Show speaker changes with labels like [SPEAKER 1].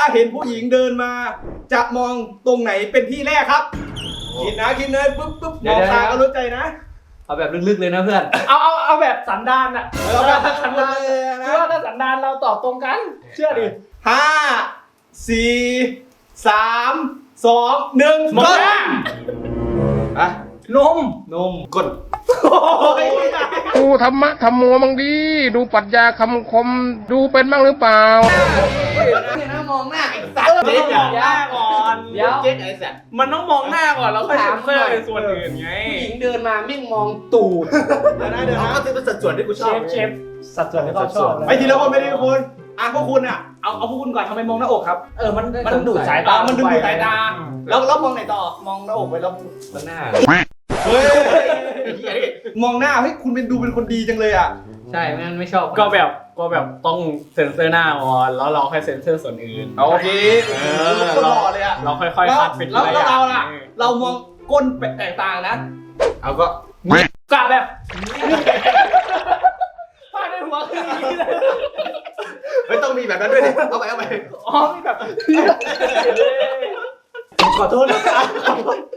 [SPEAKER 1] เห็นผู้หญิงเดินมาจะมองตรงไหนเป็นที่แรกครับคิดนะคิดเลยปุ๊บมองตาก็รู้ใจนะ
[SPEAKER 2] เอาแบบลึกๆเลยนะเพื่อน
[SPEAKER 3] เอาแบบสันดานอะ
[SPEAKER 1] เราแบบสันดาน
[SPEAKER 3] คือว่าถ้าสันดานเราตอบตรงกันเชื่อดิ
[SPEAKER 1] 5 4 3 2 1
[SPEAKER 3] มองหน้า
[SPEAKER 1] อะ
[SPEAKER 3] นม
[SPEAKER 1] กด
[SPEAKER 4] ดูธรรมะธรรมโมบ้างดีดูปรัชญาคำคมดูเป็นบ้างหรือเปล่า
[SPEAKER 1] เนี่ยนะมองหน้าไอ้สัตว์
[SPEAKER 3] เจ๊อย่าหน้าก่อนเดี๋ยว
[SPEAKER 1] เจ๊ไอ้สัตว์
[SPEAKER 3] มันต้องมองหน้าก่อนแล้วค่อยเซ็นเซอร์ในส่วนอื่นไง
[SPEAKER 2] ผู้หญิงเดินมาไม่งมองตูด
[SPEAKER 1] เดี๋ยวนะก็เป็นสัดส่วนที่กูชอบ
[SPEAKER 3] เชฟสัดส่วนที่เขาชอบ
[SPEAKER 1] ไปทีละคนไปทีละคนพวกคุณอ่ะเอาพวกคุณก่อนทำไมมองหน้าอกครับ
[SPEAKER 3] มันดูดสายตา
[SPEAKER 1] มันดึงดูดสายตาแล้วมองไหนต่อมองหน้าอกไปแล้ว
[SPEAKER 2] หน้า
[SPEAKER 1] เฮ้ยมองหน้าเฮ้ยคุณเป็นดูเป็นคนดีจังเลยอ่ะ
[SPEAKER 2] ใช่ไม่ชอบ
[SPEAKER 3] ก็แบบต้องเซ็นเซอร์หน้าก่อนแล้วเราค่อยเซ็นเซอร์ส่วนอื่น
[SPEAKER 1] โอเคคนหล่อเลยอ่ะ
[SPEAKER 3] เราค่อยๆคัดเป็น
[SPEAKER 1] แล้วเราล่ะเรามองก้นแตกต่างนะเอาก็
[SPEAKER 3] กะแบบพาดในหัวคืออย่างนี้เลย
[SPEAKER 1] ไม่ต้องมีแบบนั้นด้วยดิเอาไป
[SPEAKER 3] อ๋อมีแบบ
[SPEAKER 1] ขอโทษนะครับ